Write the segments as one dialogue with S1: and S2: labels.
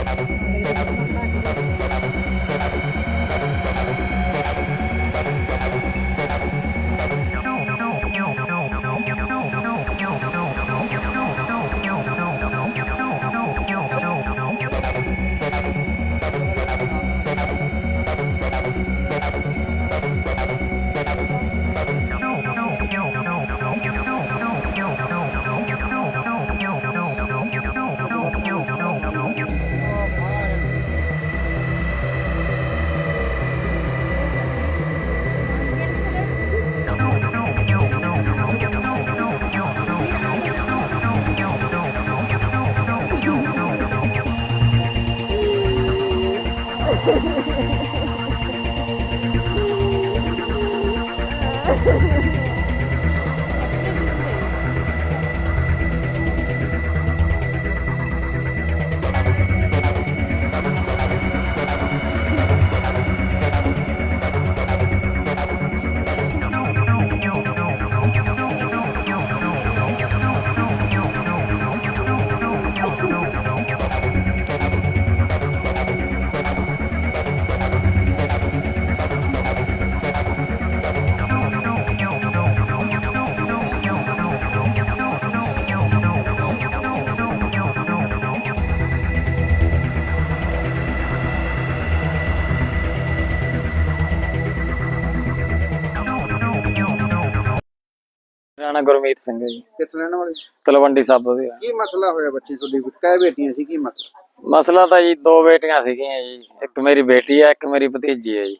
S1: ਮੇਰਾ ਨਾਂ ਗੁਰਮੀਤ ਸਿੰਘ ਹੈ ਜੀ।
S2: ਕਿੱਥੋਂ ਰਹਿਣ ਵਾਲੇ?
S1: ਤਲਵੰਡੀ ਸਾਬੋ ਦੇ।
S2: ਕੀ ਮਸਲਾ ਹੋਇਆ ਬੱਚੀ ਤੁਹਾਡੀ? ਕਈ ਬੇਟੀਆਂ ਸੀ, ਕੀ ਮਸਲਾ?
S1: ਮਸਲਾ ਤਾਂ ਜੀ ਦੋ ਬੇਟੀਆਂ ਸੀਗੀਆਂ ਜੀ, ਇੱਕ ਮੇਰੀ ਬੇਟੀ ਹੈ, ਇੱਕ ਮੇਰੀ ਭਤੀਜੀ ਹੈ ਜੀ।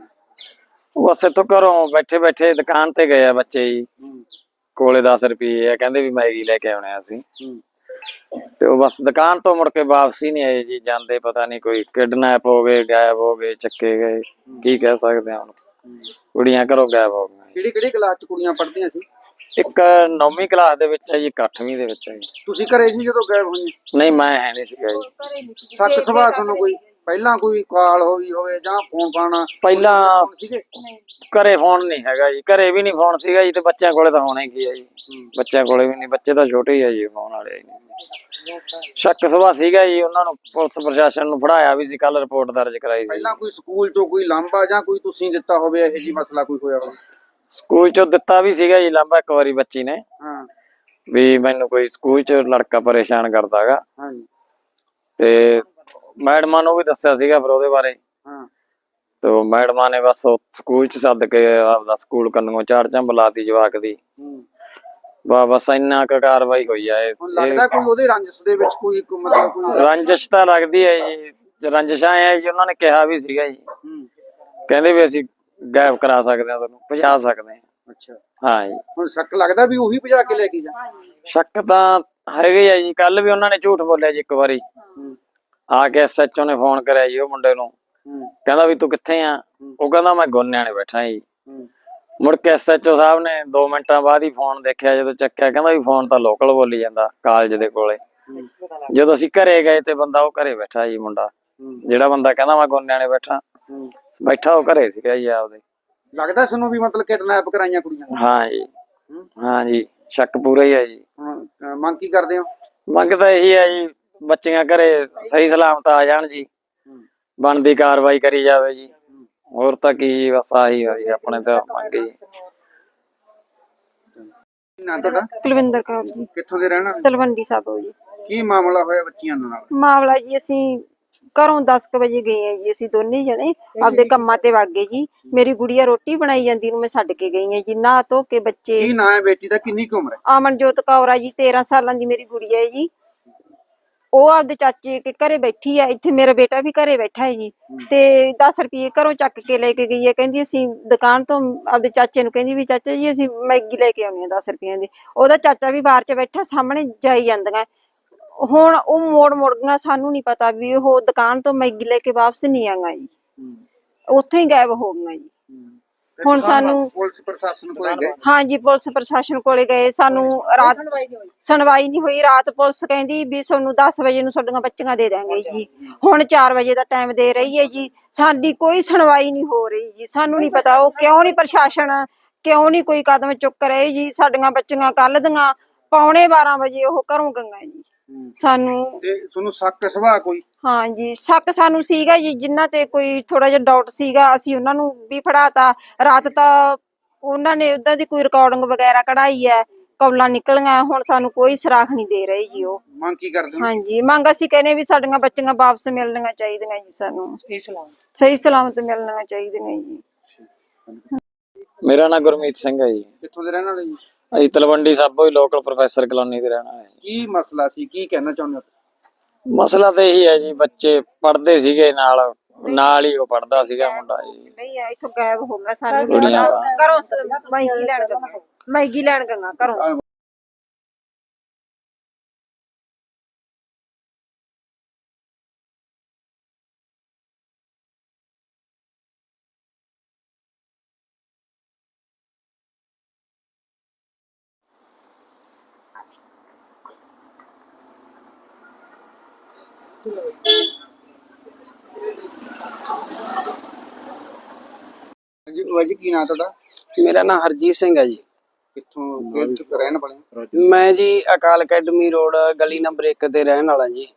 S1: ਉਹ ਅਸੇ ਤੋਂ ਘਰੋਂ ਬੈਠੇ ਬੈਠੇ ਦੁਕਾਨ ਤੇ ਗਏ ਆ ਬੱਚੇ ਜੀ, ਕੋਲੇ 10 ਰੁਪਏ ਆ, ਕਹਿੰਦੇ ਵੀ ਮੈਗੀ ਲੈ ਕੇ ਆਉਣੇ ਅਸੀਂ। ਤੇ ਉਹ ਬਸ ਦੁਕਾਨ ਤੋਂ ਮੁੜ ਕੇ ਵਾਪਸ ਹੀ ਨਹੀਂ ਆਏ ਜੀ। ਜਾਂਦੇ ਪਤਾ ਨਹੀਂ ਕੋਈ ਕਿਡਨੈਪ ਹੋ ਗਏ, ਗਾਇਬ ਹੋ ਗਏ, ਚੱਕੇ ਗਏ, ਕੀ ਕਹਿ ਸਕਦੇ ਆ ਹੁਣ। ਕੁੜੀਆਂ ਘਰੋਂ ਗਾਇਬ ਹੋ ਗਈਆਂ।
S2: ਕਿਹੜੀ ਕਿਹੜੀ ਕਲਾਸ ਚ ਕੁੜੀਆਂ ਪੜ੍ਹਦੀਆਂ ਸੀ?
S1: ਇੱਕ 9ਵੀਂ ਕਲਾਸ ਦੇ ਵਿੱਚ ਹੈ ਜੀ, ਇੱਕ 8ਵੀਂ ਦੇ ਵਿੱਚ ਹੈ ਜੀ।
S2: ਤੁਸੀਂ ਘਰੇ ਸੀ ਜਦੋਂ ਗਾਇਬ ਹੋਈਆਂ?
S1: ਨਹੀਂ, ਮੈਂ ਹੈ ਨਹੀਂ ਸੀਗਾ ਜੀ।
S2: ਸੱਕ ਸੁਭਾਅ ਤੁਹਾਨੂੰ ਕੋਈ ਪਹਿਲਾਂ ਕੋਈ ਕਾਲ ਹੋਈ ਹੋਵੇ ਜਾਂ ਫੋਨ ਪਾਣਾ?
S1: ਪਹਿਲਾਂ
S2: ਸੀਗੇ
S1: ਘਰੇ ਫੋਨ ਨਹੀਂ ਹੈਗਾ ਜੀ, ਘਰੇ ਵੀ ਨਹੀਂ ਫੋਨ ਸੀਗਾ ਜੀ, ਤੇ ਬੱਚਿਆਂ ਕੋਲੇ ਤਾਂ ਹੋਣਾ ਹੀ ਕੀ ਹੈ ਜੀ। ਬੱਚਿਆਂ ਕੋਲੇ ਵੀ ਨਹੀਂ, ਬੱਚੇ ਤਾਂ ਛੋਟੇ ਹੀ ਆ ਜੀ, ਫੋਨ ਵਾਲੇ ਨਹੀਂ। ਸ਼ੱਕ ਸੁਭਾਅ ਸੀਗਾ ਜੀ, ਉਹਨਾਂ ਨੂੰ ਪੁਲਿਸ ਪ੍ਰਸ਼ਾਸਨ ਨੂੰ ਫੜਾਇਆ ਵੀ ਸੀ, ਕੱਲ ਰਿਪੋਰਟ ਦਰਜ ਕਰਾਈ ਸੀ।
S2: ਪਹਿਲਾਂ ਕੋਈ ਸਕੂਲ ਚੋਂ ਕੋਈ ਲਾਂਭਾ ਜਾਂ ਕੋਈ ਤੁਸੀਂ ਦਿੱਤਾ ਹੋਵੇ ਇਹੋ ਜੀ ਮਸਲਾ ਕੋਈ ਹੋਇਆ ਹੋਵੇ?
S1: ਸਕੂਲ ਚੋਂ ਦਿੱਤਾ ਵੀ ਸੀਗਾ ਜੀ ਲਾਂਭਾ ਇੱਕ ਵਾਰੀ ਬੱਚੀ ਨੇ, ਵੀ ਮੈਨੂੰ ਕੋਈ ਸਕੂਲ ਚ ਲੜਕਾ ਪਰੇਸ਼ਾਨ ਕਰਦਾ ਹੈਗਾ, ਤੇ ਮੈਡਮਾਂ ਨੂੰ ਵੀ ਦੱਸਿਆ ਸੀਗਾ ਫਿਰ ਉਹਦੇ ਬਾਰੇ। ਤੇ ਮੈਡਮਾਂ ਨੇ ਬਸ ਸਕੂਲ ਚ ਸੱਦ ਕੇ ਆਪਦਾ ਸਕੂਲ ਕੰਨੋਂ ਝਾੜ ਝੰਬ ਲਾਤੀ ਜਵਾਕ ਦੀ। ਬਸ ਇੰਨਾ ਕੁ ਕਾਰਵਾਈ ਹੋਈ ਆ।
S2: ਲੱਗਦਾ ਕੋਈ ਉਹਦੇ ਰੰਜਿਸ਼ ਦੇ ਵਿੱਚ ਕੋਈ ਮਤਲਬ ਕੋਈ
S1: ਰੰਜਿਸ਼ ਤਾਂ ਲੱਗਦੀ ਹੈ ਜੀ, ਰੰਜਿਸ਼ਾਂ ਹੈ ਜੀ। ਉਹਨਾਂ ਨੇ ਕਿਹਾ ਵੀ ਸੀਗਾ ਜੀ, ਕਹਿੰਦੇ ਵੀ ਅਸੀਂ ਗਾਇਬ ਕਰਾ ਸਕਦੇ ਹਾਂ, ਤੁਹਾਨੂੰ ਭਜਾ ਸਕਦੇ ਹਾਂ।
S2: ਅੱਛਾ,
S1: ਹਾਂ ਜੀ।
S2: ਹੁਣ ਸ਼ੱਕ ਲੱਗਦਾ ਵੀ ਉਹੀ ਭਜਾ ਕੇ ਲੈ ਕੇ ਜਾ?
S1: ਸ਼ੱਕ ਤਾਂ ਹੈਗੇ ਆ ਜੀ। ਕੱਲ ਵੀ ਉਹਨਾਂ ਨੇ ਝੂਠ ਬੋਲਿਆ ਜੀ ਇੱਕ ਵਾਰੀ ਆ ਕੇ। SHO ਨੇ ਫੋਨ ਕਰਿਆ ਜੀ ਉਹ ਮੁੰਡੇ ਨੂੰ, ਕਹਿੰਦਾ ਵੀ ਤੂੰ ਕਿੱਥੇ ਆ? ਉਹ ਕਹਿੰਦਾ ਮੈਂ ਗੋਨਿਆਂ ਨੇ ਬੈਠਾ ਜੀ। ਮੁੜ ਕੇ SHO ਸਾਹਿਬ ਨੇ 2 ਮਿੰਟਾਂ ਬਾਅਦ ਹੀ ਫੋਨ ਦੇਖਿਆ, ਜਦੋਂ ਚੱਕਿਆ ਕਹਿੰਦਾ ਵੀ ਫੋਨ ਤਾਂ ਲੋਕਲ ਬੋਲੀ ਜਾਂਦਾ ਕਾਲਜ ਦੇ ਕੋਲੇ। ਜਦੋਂ ਅਸੀਂ ਘਰੇ ਗਏ ਤੇ ਬੰਦਾ ਉਹ ਘਰੇ ਬੈਠਾ ਜੀ, ਮੁੰਡਾ ਜਿਹੜਾ ਬੰਦਾ ਕਹਿੰਦਾ ਮੈਂ ਗੋਨਿਆਂ ਨੇ ਬੈਠਾ ਉਹ ਘਰੇ ਸੀਗਾ ਜੀ ਆਪਦੇ।
S2: ਲੱਗਦਾ ਤੁਹਾਨੂੰ ਵੀ ਮਤਲਬ ਕਿਡਨੈਪ ਕਰਾਈਆਂ ਕੁੜੀਆਂ?
S1: ਹਾਂ ਜੀ, ਹਾਂ ਜੀ, ਸ਼ੱਕ ਪੂਰਾ ਹੀ ਹੈ ਜੀ।
S2: ਮੰਗ ਕੀ ਕਰਦੇ ਹੋ?
S1: ਮੰਗ ਤਾਂ ਇਹੀ ਹੈ ਜੀ, ਬੱਚੀਆਂ ਘਰੇ ਸਹੀ ਸਲਾਮਤ ਆ ਜਾਣ ਜੀ, ਬਣਦੀ ਕਾਰਵਾਈ ਕਰੀ ਜਾਵੇ ਜੀ। ਹੋਰ ਤਾਂ ਕੀ ਜੀ, ਬਸ ਆਹੀ ਆ ਜੀ ਆਪਣੇ ਤਾਂ ਮੰਗ ਜੀ।
S2: ਨਾਂ ਤੁਹਾਡਾ?
S3: ਕੁਲਵਿੰਦਰ ਕੌਰ ਜੀ।
S2: ਕਿੱਥੋਂ ਦੇ ਰਹਿਣ ਵਾਲੇ?
S3: ਤਲਵੰਡੀ ਸਾਬੋ ਜੀ।
S2: ਕੀ ਮਾਮਲਾ ਹੋਇਆ ਬੱਚੀਆਂ ਨਾਲ?
S3: ਮਾਮਲਾ ਜੀ, ਅਸੀਂ ਘਰੋਂ 10 ਵਜੇ ਗਏ ਆ ਜੀ, ਅਸੀਂ ਦੋਨੇ ਜਣੇ ਆਪਦੇ ਕੰਮਾਂ ਤੇ ਵਗ ਗਏ ਜੀ। ਮੇਰੀ ਗੁੜੀਆ ਰੋਟੀ ਬਣਾਈ ਜਾਂਦੀ ਨੂੰ ਮੈਂ ਛੱਡ ਕੇ ਗਈ ਆ ਜੀ, ਨਹਾ ਧੋ ਕੇ। ਬੱਚੇ
S2: ਕੀ ਨਾਂ ਹੈ ਬੇਟੀ ਦਾ? ਕਿੰਨੀ ਕੁ ਉਮਰ ਹੈ?
S3: ਅਮਨਜੋਤ ਕੌਰ ਆ ਜੀ, 13 ਸਾਲਾਂ ਦੀ ਮੇਰੀ ਗੁੜੀਆ ਹੈ ਜੀ। ਉਹ ਆਪਦੇ ਚਾਚੇ ਕੇ ਘਰੇ ਬੈਠੀ ਆ, ਇੱਥੇ ਮੇਰਾ ਬੇਟਾ ਵੀ ਘਰੇ ਬੈਠਾ ਹੈ ਜੀ। ਤੇ 10 ਰੁਪਏ ਘਰੋਂ ਚੱਕ ਕੇ ਲੈ ਕੇ ਗਈ ਹੈ, ਕਹਿੰਦੀ ਅਸੀਂ ਦੁਕਾਨ ਤੋਂ ਆਪਦੇ ਚਾਚੇ ਨੂੰ ਕਹਿੰਦੀ ਵੀ ਚਾਚਾ ਜੀ ਅਸੀਂ ਮੈਗੀ ਲੈ ਕੇ ਆਉਣੀ ਆ 10 ਰੁਪਈਆਂ ਦੀ। ਉਹਦਾ ਚਾਚਾ ਵੀ ਬਾਹਰ ਚ ਬੈਠਾ, ਸਾਹਮਣੇ ਜਾਈ ਜਾਂਦੀਆਂ। ਹੁਣ ਉਹ ਮੋੜ ਗਈਆਂ, ਸਾਨੂੰ ਨੀ ਪਤਾ ਵੀ ਉਹ ਦੁਕਾਨ ਤੋਂ ਮੈਗੀ ਲੈ ਕੇ ਵਾਪਸ ਨਹੀਂ ਆਈਆਂ ਜੀ, ਉੱਥੋਂ ਹੀ ਗਾਇਬ ਹੋ ਗਈਆਂ ਜੀ। ਹੁਣ ਸਾਨੂੰ
S2: ਪੁਲਿਸ ਪ੍ਰਸ਼ਾਸਨ ਕੋਲੇ ਗਏ?
S3: ਹਾਂ ਜੀ, ਪੁਲਿਸ ਪ੍ਰਸ਼ਾਸਨ ਕੋਲੇ ਗਏ। ਸਾਨੂੰ ਰਾਤ ਸੁਣਵਾਈ ਨਹੀਂ ਹੋਈ। ਰਾਤ ਪੁਲਿਸ ਕਹਿੰਦੀ ਵੀ ਤੁਹਾਨੂੰ 10 ਵਜੇ ਨੂੰ ਤੁਹਾਡੀਆਂ ਬੱਚੀਆਂ ਦੇ ਦਾਂਗੇ ਜੀ। ਹੁਣ 4 ਵਜੇ ਦਾ ਟਾਈਮ ਦੇ ਰਹੀ ਹੈ ਜੀ, ਸਾਡੀ ਕੋਈ ਸੁਣਵਾਈ ਨਹੀਂ ਹੋ ਰਹੀ ਜੀ। ਸਾਨੂੰ ਨਹੀਂ ਪਤਾ ਉਹ ਕਿਉਂ ਨਹੀਂ, ਪ੍ਰਸ਼ਾਸਨ ਕਿਉਂ ਨਹੀਂ ਕੋਈ ਕਦਮ ਚੁੱਕ ਰਹੇ ਜੀ। ਸਾਡੀਆਂ ਬੱਚੀਆਂ ਕੱਲ ਦੀਆਂ 11:15 ਵਜੇ ਉਹ ਘਰੋਂ ਗਈਆਂ ਜੀ। ਸਾਨੂੰ
S2: ਤੇ ਤੁਹਾਨੂੰ ਸ਼ੱਕ ਸੁਭਾਅ ਕੋਈ?
S3: ਹਾਂਜੀ, ਸ਼ੱਕ ਸਾਨੂੰ ਸੀਗਾ ਜੀ, ਜਿਨ੍ਹਾਂ ਤੇ ਕੋਈ ਥੋੜਾ ਜਿਹਾ ਡਾਊਟ ਸੀਗਾ ਅਸੀਂ ਉਹਨਾਂ ਨੂੰ ਵੀ ਫੜਾਤਾ। ਰਾਤ ਤਾਂ ਉਹਨਾਂ ਨੇ ਉਦਾਂ ਦੀ ਕੋਈ ਰਿਕਾਰਡਿੰਗ ਵਗੈਰਾ ਕਢਾਈ ਹੈ, ਕੌਲਾਂ ਨਿਕਲੀਆਂ। ਹੁਣ ਸਾਨੂੰ ਕੋਈ ਸੁਰਾਖ ਨਹੀਂ ਦੇ ਰਹੇ ਜੀ ਉਹ।
S2: ਮੰਗ ਕੀ ਕਰਦੇ ਹੋ?
S3: ਹਾਂਜੀ, ਮੰਗ ਅਸੀਂ ਕਹਿੰਦੇ ਵੀ ਸਾਡੀਆਂ ਬੱਚੀਆਂ ਵਾਪਸ ਮਿਲਣੀਆਂ ਚਾਹੀਦੀਆਂ ਜੀ, ਸਾਨੂੰ ਸਹੀ ਸਲਾਮਤ ਮਿਲਣੀਆਂ ਚਾਹੀਦੀਆਂ ਜੀ।
S1: ਮੇਰਾ ਨਾਮ ਗੁਰਮੀਤ ਸਿੰਘ ਹੈ ਜੀ।
S2: ਕਿੱਥੋਂ ਦੇ ਰਹਿਣ ਵਾਲੇ ਜੀ?
S1: ਅਸੀਂ ਤਲਵੰਡੀ ਸਾਬੋ ਹੀ ਲੋਕਲ ਪ੍ਰੋਫੈਸਰ ਕਲੋਨੀ ਦੇ ਰਹਿਣ ਵਾਲੇ ਹਾਂ।
S2: ਕੀ ਮਸਲਾ ਸੀ, ਕੀ ਕਹਿਣਾ ਚਾਹੁੰਦੇ ਹੋ?
S1: ਮਸਲਾ ਤਾਂ ਇਹੀ ਹੈ ਜੀ, ਬੱਚੇ ਪੜ੍ਹਦੇ ਸੀਗੇ, ਨਾਲ ਹੀ ਉਹ ਪੜ੍ਹਦਾ ਸੀਗਾ ਮੁੰਡਾ ਜੀ।
S3: ਨਹੀਂ ਆ, ਇੱਥੋਂ ਗਾਇਬ ਹੋ ਗਿਆ, ਸਾਨੂੰ
S1: ਕੁੜੀਆਂ
S3: ਘਰੋਂ ਮੈਗੀ ਲੈਣ ਗਈਆਂ ਘਰੋਂ।
S2: ਜੀ ਬਾਬਾ ਜੀ, ਕੀ ਨਾਂ ਤੁਹਾਡਾ?
S4: ਮੇਰਾ ਨਾਮ ਹਰਜੀਤ ਸਿੰਘ ਹੈ ਜੀ।
S2: ਕਿੱਥੋਂ ਰਹਿਣ ਵਾਲੇ?
S4: ਮੈਂ ਜੀ ਅਕਾਲ ਅਕੈਡਮੀ ਰੋਡ ਗਲੀ ਨੰਬਰ 1 ਤੇ ਰਹਿਣ ਵਾਲਾ ਜੀ।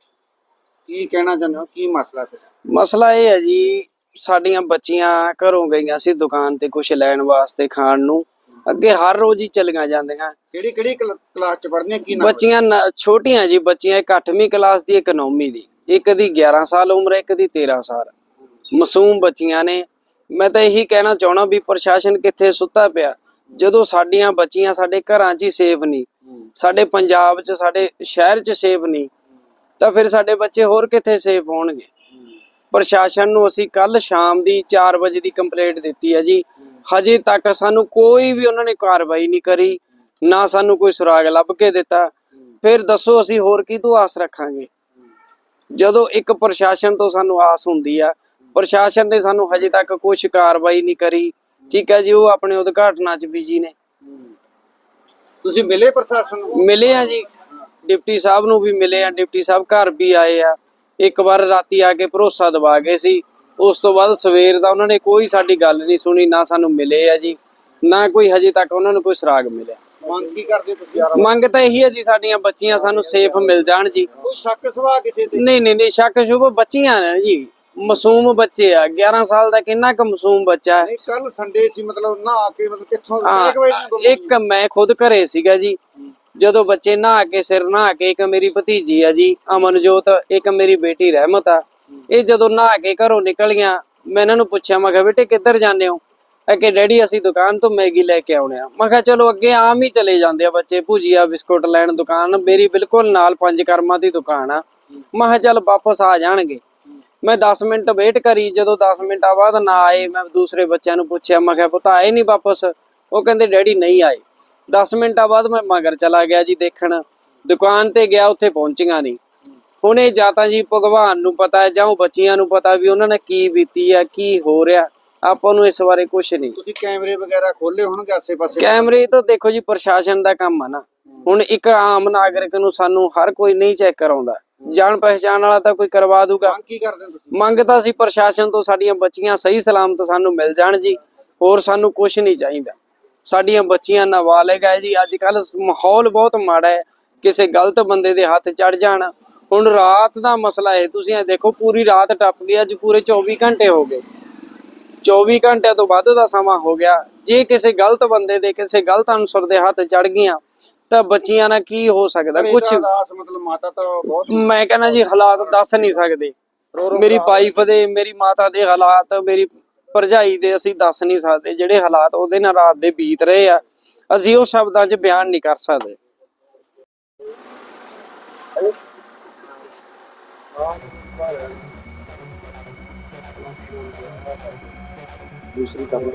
S2: ਕੀ ਕਹਿਣਾ ਚਾਹੁੰਦੇ ਹੋ, ਕੀ ਮਸਲਾ ਹੈ?
S4: ਮਸਲਾ ਇਹ ਹੈ ਜੀ, ਸਾਡੀਆਂ ਬੱਚੀਆਂ ਘਰੋਂ ਗਈਆਂ ਸੀ ਦੁਕਾਨ ਤੇ ਕੁਝ ਲੈਣ ਵਾਸਤੇ ਖਾਣ ਨੂੰ। ਅੱਗੇ ਹਰ ਰੋਜ਼ ਹੀ ਚਲੀਆਂ ਜਾਂਦੀਆਂ।
S2: ਕਿਹੜੀ ਕਲਾਸ ਚ ਪੜ੍ਹਦੀਆਂ, ਕੀ ਨਾਮ?
S4: ਬੱਚੀਆਂ ਛੋਟੀਆਂ ਜੀ, ਬੱਚੀਆਂ ਇੱਕ 8ਵੀਂ ਕਲਾਸ ਦੀ, ਇੱਕ 9ਵੀਂ ਦੀ, ਇੱਕ ਦੀ 11 ਸਾਲ ਉਮਰ ਹੈ, ਇੱਕ ਦੀ 13 ਸਾਲ। ਮਾਸੂਮ ਬੱਚੀਆਂ ਨੇ। ਮੈਂ ਤਾਂ ਇਹੀ ਕਹਿਣਾ ਚਾਹਣਾ ਵੀ ਪ੍ਰਸ਼ਾਸਨ ਕਿੱਥੇ ਸੁੱਤਾ ਪਿਆ, ਜਦੋਂ ਸਾਡੀਆਂ ਬੱਚੀਆਂ ਸਾਡੇ ਘਰਾਂ 'ਚ ਹੀ ਸੇਫ ਨਹੀਂ, ਸਾਡੇ ਪੰਜਾਬ 'ਚ, ਸਾਡੇ ਸ਼ਹਿਰ 'ਚ ਸੇਫ ਨਹੀਂ, ਤਾਂ ਫਿਰ ਸਾਡੇ ਬੱਚੇ ਹੋਰ ਕਿੱਥੇ ਸੇਫ ਹੋਣਗੇ। ਪ੍ਰਸ਼ਾਸਨ ਨੂੰ ਅਸੀਂ ਕੱਲ ਸ਼ਾਮ ਦੀ 4 ਵਜੇ ਦੀ ਕੰਪਲੇਂਟ ਦਿੱਤੀ ਹੈ ਜੀ, ਹਜੇ ਤੱਕ ਸਾਨੂੰ ਕੋਈ ਵੀ ਉਹਨਾਂ ਨੇ ਕਾਰਵਾਈ ਨਹੀਂ ਕਰੀ, ਨਾ ਸਾਨੂੰ ਕੋਈ ਸੁਰਾਗ ਲੱਭ ਕੇ ਦਿੱਤਾ। ਫਿਰ ਦੱਸੋ ਅਸੀਂ ਹੋਰ ਕਿਹਤੋਂ ਆਸ ਰੱਖਾਂਗੇ, ਜਦੋਂ ਇੱਕ ਪ੍ਰਸ਼ਾਸਨ ਤੋਂ ਸਾਨੂੰ ਆਸ ਹੁੰਦੀ ਆ। ਪ੍ਰਸ਼ਾਸਨ ਨੇ ਸਾਨੂੰ ਹਜੇ ਤੱਕ ਕੁਝ ਕਾਰਵਾਈ ਨਹੀਂ ਕਰੀ। ਠੀਕ ਹੈ ਜੀ, ਉਹ ਆਪਣੇ ਉਦਘਾਟਨਾਂ 'ਚ ਬਿਜੀ ਨੇ।
S2: ਤੁਸੀਂ ਮਿਲੇ ਪ੍ਰਸ਼ਾਸਨ ਨੂੰ?
S4: ਮਿਲੇ ਆ ਜੀ, ਡਿਪਟੀ ਸਾਹਿਬ ਨੂੰ ਵੀ ਮਿਲੇ ਆ, ਡਿਪਟੀ ਸਾਹਿਬ ਘਰ ਵੀ ਆਏ ਆ। ਇੱਕ ਵਾਰ ਰਾਤੀ ਆ ਕੇ ਭਰੋਸਾ ਦਵਾ ਗਏ ਸੀ, ਉਸ ਤੋਂ ਬਾਅਦ ਸਵੇਰ ਦਾ ਉਹਨਾਂ ਨੇ ਕੋਈ ਸਾਡੀ ਗੱਲ ਨਹੀਂ ਸੁਣੀ, ਨਾ ਸਾਨੂੰ ਮਿਲੇ ਆ ਜੀ, ਨਾ ਕੋਈ ਹਜੇ ਤੱਕ ਉਹਨਾਂ ਨੂੰ ਕੋਈ ਸੁਰਾਗ ਮਿਲਿਆ।
S2: ਮੰਗ ਕੀ ਕਰਦੇ ਤੁਸੀਂ?
S4: ਮੰਗ ਤਾਂ ਇਹੀ ਹੈ ਜੀ, ਸਾਡੀਆਂ ਬੱਚੀਆਂ ਸਾਨੂੰ ਸੇਫ ਮਿਲ ਜਾਣ ਜੀ।
S2: ਕੋਈ ਸ਼ੱਕ ਸਵਾ ਕਿਸੇ ਤੇ?
S4: ਨਹੀਂ, ਸ਼ੱਕ ਸ਼ੁਭ ਬੱਚੀਆਂ ਨੇ ਜੀ, ਮਾਸੂਮ ਬੱਚੇ ਆ। 11 ਸਾਲ ਦਾ ਕਿੰਨਾ ਕੁ ਮਾਸੂਮ ਬੱਚਾ ਹੈ।
S2: ਕੱਲ ਸੰਡੇ ਸੀ, ਮਤਲਬ ਨਹਾ ਕੇ, ਮਤਲਬ ਕਿੱਥੋਂ?
S4: ਇੱਕ ਮੈਂ ਖੁਦ ਘਰੇ ਸੀਗਾ ਜੀ, ਜਦੋਂ ਬੱਚੇ ਨਹਾ ਕੇ, ਸਿਰ ਨਹਾ ਕੇ, ਇੱਕ ਮੇਰੀ ਭਤੀਜੀ ਆ ਜੀ ਅਮਨਜੋਤ, ਇੱਕ ਮੇਰੀ ਬੇਟੀ ਰਹਿਮਤ ਆ, ਇਹ ਜਦੋਂ ਨਹਾ ਕੇ ਘਰੋਂ ਨਿਕਲੀਆਂ, ਮੈਂ ਇਹਨਾਂ ਨੂੰ ਪੁੱਛਿਆ, ਮੈਂ ਕਿਹਾ ਬੇਟੇ ਕਿੱਧਰ ਜਾਂਦੇ ਹੋ? ਕਿ ਡੈਡੀ ਅਸੀਂ ਦੁਕਾਨ ਤੋਂ ਮੈਗੀ ਲੈ ਕੇ ਆਉਣੇ ਆ। ਮੈਂ ਕਿਹਾ ਚਲੋ, ਅੱਗੇ ਆਮ ਹੀ ਚਲੇ ਜਾਂਦੇ ਆ ਬੱਚੇ, ਭੁਜੀਆ ਬਿਸਕੁਟ ਲੈਣ। ਦੁਕਾਨ ਮੇਰੀ ਬਿਲਕੁਲ ਨਾਲ 5 ਕਰਮਾਂ ਦੀ ਦੁਕਾਨ ਆ। ਮੈਂ ਕਿਹਾ ਚੱਲ ਵਾਪਸ ਆ ਜਾਣਗੇ। ਮੈਂ 10 ਮਿੰਟ ਵੇਟ ਕਰੀ, ਜਦੋਂ 10 ਮਿੰਟਾਂ ਬਾਅਦ ਨਾ ਆਏ, ਮੈਂ ਦੂਸਰੇ ਬੱਚਿਆਂ ਨੂੰ ਪੁੱਛਿਆ, ਮੈਂ ਕਿਹਾ ਪੁੱਤ ਆਏ ਨਹੀਂ ਵਾਪਸ? ਉਹ ਕਹਿੰਦੇ ਡੈਡੀ ਨਹੀਂ ਆਏ। 10 ਮਿੰਟਾਂ ਬਾਅਦ ਮੈਂ ਮਗਰ ਚਲਾ ਗਿਆ ਜੀ ਦੇਖਣ, ਦੁਕਾਨ ਤੇ ਗਿਆ, ਉੱਥੇ ਪਹੁੰਚੀਆਂ ਨਹੀਂ। ਹੁਣ ਇਹ ਜਾਂ ਤਾਂ ਜੀ ਭਗਵਾਨ ਨੂੰ ਪਤਾ ਹੈ, ਜਾਂ ਉਹ ਬੱਚੀਆਂ ਨੂੰ ਪਤਾ ਵੀ ਉਹਨਾਂ ਨੇ ਕੀ ਬੀਤੀ ਆ, ਕੀ ਹੋ ਰਿਹਾ। ਆਪਾਂ ਨੂੰ ਇਸ ਬਾਰੇ ਕੁਝ ਨਹੀਂ।
S2: ਤੁਸੀਂ ਕੈਮਰੇ ਵਗੈਰਾ ਖੋਲੇ ਹੋਣਗੇ ਆਸੇ ਪਾਸੇ?
S4: ਕੈਮਰੇ ਤਾਂ ਦੇਖੋ ਜੀ ਪ੍ਰਸ਼ਾਸਨ ਦਾ ਕੰਮ ਆ ਨਾ। ਹੁਣ ਇੱਕ ਆਮ ਨਾਗਰਿਕ ਨੂੰ ਸਾਨੂੰ ਹਰ ਕੋਈ ਨਹੀਂ ਚੈੱਕ ਕਰਾਉਂਦਾ, ਜਾਣ ਪਹਿਚਾਣ ਵਾਲਾ ਤਾਂ ਕੋਈ ਕਰਵਾ ਦੂਗਾ।
S2: ਮੰਗ ਕੀ ਕਰਦੇ ਹੋ ਤੁਸੀਂ?
S4: ਮੰਗ ਤਾਂ ਅਸੀਂ ਪ੍ਰਸ਼ਾਸਨ ਤੋਂ ਸਾਡੀਆਂ ਬੱਚੀਆਂ ਸਹੀ ਸਲਾਮਤ ਸਾਨੂੰ ਮਿਲ ਜਾਣ ਜੀ, ਹੋਰ ਸਾਨੂੰ ਕੁਝ ਨਹੀਂ ਚਾਹੀਦਾ। ਸਾਡੀਆਂ ਬੱਚੀਆਂ ਨਾਬਾਲਿਗ ਹੈ ਜੀ। ਅੱਜ ਕੱਲ ਮਾਹੌਲ ਬਹੁਤ ਮਾੜਾ ਹੈ, ਕਿਸੇ ਗਲਤ ਬੰਦੇ ਦੇ ਹੱਥ ਚੜ ਜਾਣ। ਹੁਣ ਰਾਤ ਦਾ ਮਸਲਾ ਹੈ, ਤੁਸੀਂ ਇਹ ਦੇਖੋ ਪੂਰੀ ਰਾਤ ਟੱਪ ਗਈ, ਅੱਜ ਪੂਰੇ 24 ਘੰਟੇ ਹੋ ਗਏ, 24 ਘੰਟਿਆਂ ਤੋਂ ਵੱਧ ਦਾ ਸਮਾਂ ਹੋ ਗਿਆ। ਜੇ ਕਿਸੇ ਗਲਤ ਬੰਦੇ ਦੇ, ਕਿਸੇ ਗਲਤ ਅਨਸਰ ਦੇ ਹੱਥ ਚੜ ਗਈਆਂ ਤਾਂ ਬੱਚੀਆਂ ਨਾਲ ਕੀ ਹੋ ਸਕਦਾ? ਕੁਝ
S2: ਮਤਲਬ ਮਾਤਾ ਤਾਂ ਬਹੁਤ,
S4: ਮੈਂ ਕਹਿੰਦਾ ਜੀ ਹਾਲਾਤ ਦੱਸ ਨਹੀਂ ਸਕਦੇ। ਮੇਰੀ ਵਾਈਫ ਦੇ, ਮੇਰੀ ਮਾਤਾ ਦੇ ਹਾਲਾਤ, ਮੇਰੀ ਭਰਜਾਈ ਦੇ ਅਸੀਂ ਦੱਸ ਨਹੀਂ ਸਕਦੇ। ਜਿਹੜੇ ਹਾਲਾਤ ਉਹਦੇ ਨਾਲ ਰਾਤ ਦੇ ਬੀਤ ਰਹੇ ਆ, ਅਸੀਂ ਉਹ ਸ਼ਬਦਾਂ 'ਚ ਬਿਆਨ ਨਹੀਂ ਕਰ ਸਕਦੇ।
S2: ਦੂਸਰੀ ਗੱਲ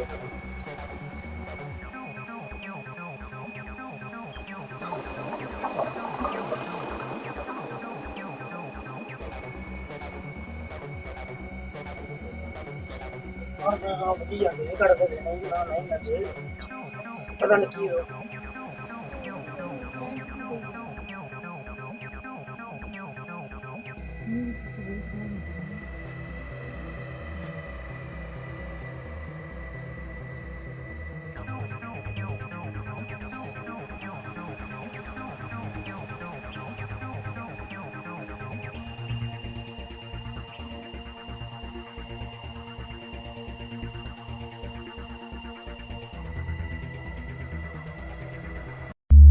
S5: ਪਤਾ ਨਹੀਂ ਕੀ ਹੋ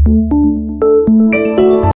S2: ਜੀ